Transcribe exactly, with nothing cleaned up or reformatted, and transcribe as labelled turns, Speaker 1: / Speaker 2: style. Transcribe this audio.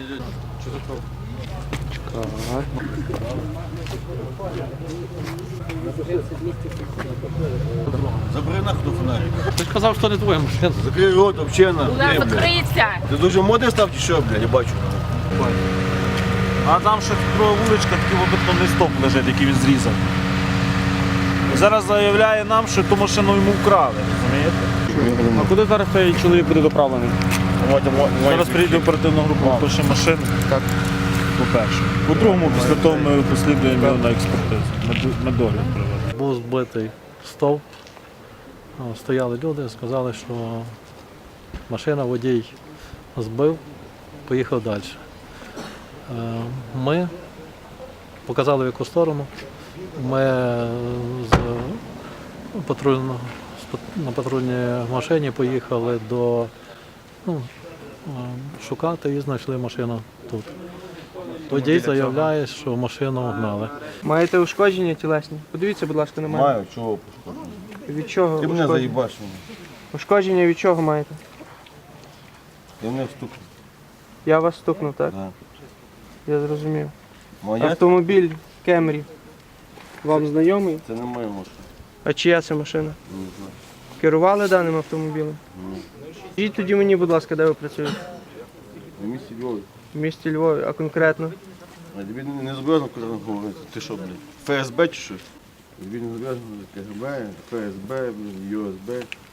Speaker 1: Забери нахуй фонарик.
Speaker 2: Ти ж казав, що не твоя машина.
Speaker 1: Закрий рот, вообще на.
Speaker 3: Куди закриється?
Speaker 1: Ти дуже модний став чи що, блядь, я бачу.
Speaker 4: А там ще друга вуличка, такий бетонний стоп лежить, який він зрізав. І зараз заявляє нам, що ту машину йому вкрали, розумієте?
Speaker 2: А куди зараз цей чоловік буде доправлений?
Speaker 4: Зараз приїде оперативна група, пише машину.
Speaker 2: Так.
Speaker 4: По-перше. По-другому, після того ми послідуємо його на експертизу. Медо- Медогляд проведемо.
Speaker 2: Був збитий стовп. О, Стояли люди, сказали, що машина водій збив, поїхав далі. Е, Ми показали в яку сторону. Ми з патрульно, з пат- на патрульній машині поїхали до ну, е, шукати і знайшли машину тут. Водій заявляє, що машину гнали.
Speaker 5: Маєте ушкодження тілесні? Подивіться, будь ласка, на мене.
Speaker 1: Маю, чого пошкодити?
Speaker 5: Від чого?
Speaker 1: Ти мене
Speaker 5: ушкодження?
Speaker 1: заїбаш мене.
Speaker 5: Ушкодження від чого маєте?
Speaker 1: Я мене встукнув.
Speaker 5: Я вас стукнув, так?
Speaker 1: Да.
Speaker 5: Я зрозумів.
Speaker 1: Моя?
Speaker 5: Автомобіль Кемрі. Вам знайомий?
Speaker 1: Це не моя машина.
Speaker 5: А чия це машина?
Speaker 1: Не знаю.
Speaker 5: Керували даним автомобілем?
Speaker 1: Ні.
Speaker 5: Скажіть тоді мені, будь ласка, де ви працюєте?
Speaker 1: На місці Львові.
Speaker 5: В місті Львові, а конкретно?
Speaker 1: А тобі не- не зобов'язано куди говорити. Ти що, блядь? ФСБ чи що? Тобі не зобов'язано КГБ, ФСБ, ЮСБ.